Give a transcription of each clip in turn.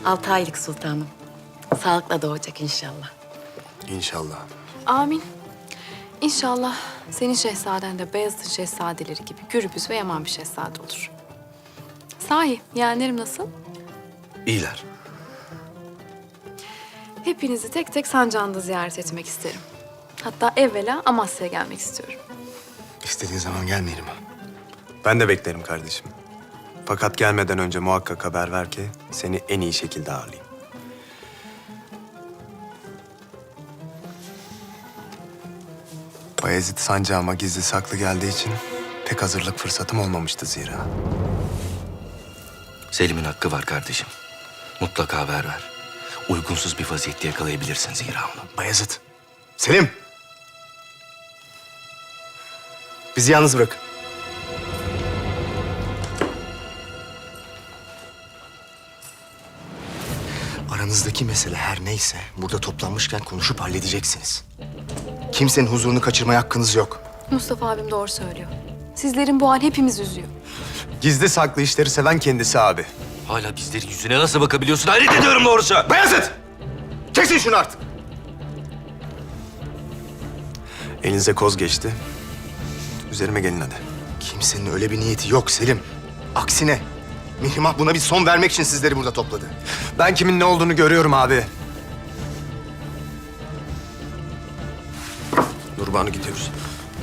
6 aylık sultanım. Sağlıkla doğacak inşallah. İnşallah. Amin. İnşallah senin şehzaden de Beyazıt'ın şehzadeleri gibi gürbüz ve yaman bir şehzade olur. Sahi, yeğenlerim nasıl? İyiler. Hepinizi tek tek sancağında ziyaret etmek isterim. Hatta evvela Amasya'ya gelmek istiyorum. İstediğin zaman gelmeyelim ha. Ben de beklerim kardeşim. Fakat gelmeden önce muhakkak haber ver ki seni en iyi şekilde ağırlayayım. Bayezid sancağıma gizli saklı geldiği için pek hazırlık fırsatım olmamıştı zira. Selim'in hakkı var kardeşim. Mutlaka haber ver. Uygunsuz bir vaziyette yakalayabilirsin zira onu. Bayezid, Selim! Bizi yalnız bırak. Aranızdaki mesele her neyse burada toplanmışken konuşup halledeceksiniz. Kimsenin huzurunu kaçırmaya hakkınız yok. Mustafa abim doğru söylüyor. Sizlerin bu hal hepimiz üzüyor. Gizli saklı işleri seven kendisi abi. Hala bizlerin yüzüne nasıl bakabiliyorsun? Hayret ediyorum doğrusu. Bayezid! Kesin şunu artık! Elinize koz geçti. Üzerime gelin hadi. Kimsenin öyle bir niyeti yok Selim. Aksine Mihrimah buna bir son vermek için sizleri burada topladı. Ben kimin ne olduğunu görüyorum abi. Nurbanu gidiyoruz.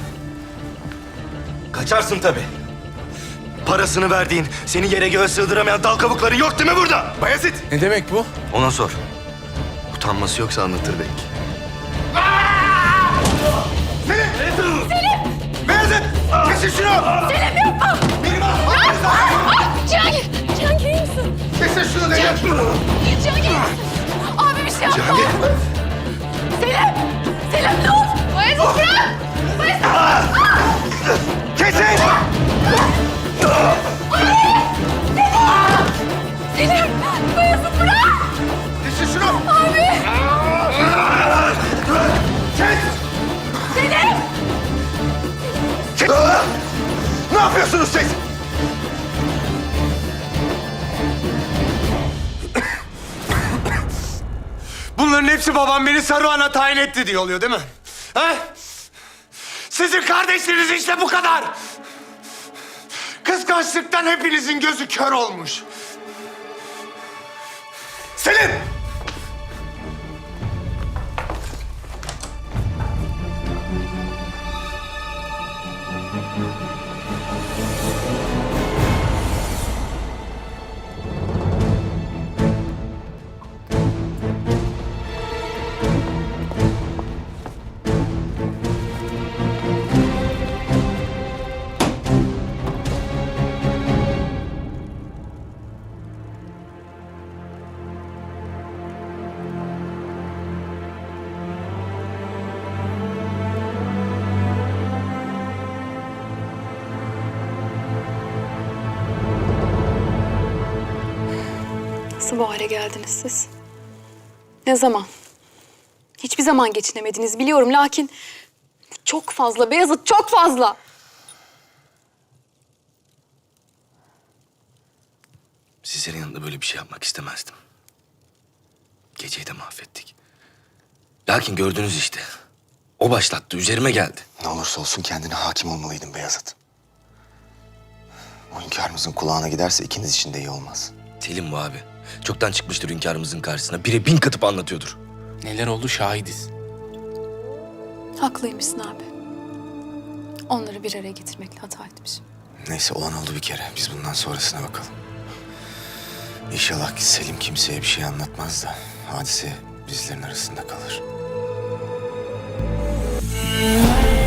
Kaçarsın tabii. Parasını verdiğin, seni yere göğe sığdıramayan dal kabukların yok değil mi burada? Bayezid! Ne demek bu? Ona sor. Utanması yoksa anlatır belki. Bayezid! Kesin şunu! Selim yapma! Mihrimah! Cihangir! Cihangir iyi misin? Kesin şunu dedim! Cihangir iyi misin? Abi bir şey yapma! Cihangir! Selim! Selim dur! Bayezid bırak! Bayezid! Kesin! Selim! Bayezid bırak! Kesin şunu! Abi! Kes! Selim! Kes! Ne yapıyorsunuz siz? Bunların hepsi babam beni Saruhan'a tayin etti diye oluyor değil mi? Ha? Sizin kardeşleriniz işte bu kadar. Kıskançlıktan hepinizin gözü kör olmuş. Selim! Nasıl bu hale geldiniz siz? Ne zaman? Hiçbir zaman geçinemediniz biliyorum lakin... bu çok fazla Beyazıt, çok fazla. Sizlerin yanında böyle bir şey yapmak istemezdim. Geceyi de mahvettik. Lakin gördünüz işte. O başlattı, üzerime geldi. Ne olursa olsun kendine hakim olmalıydın Beyazıt. O hünkârımızın kulağına giderse ikiniz için de iyi olmaz. Selim bu abi. Çoktan çıkmıştır hünkârımızın karşısına. Bire 1000 katıp anlatıyordur. Neler oldu şahidiz. Haklıymışsın abi. Onları bir araya getirmekle hata etmişim. Neyse olan oldu bir kere. Biz bundan sonrasına bakalım. İnşallah ki Selim kimseye bir şey anlatmaz da hadise bizlerin arasında kalır.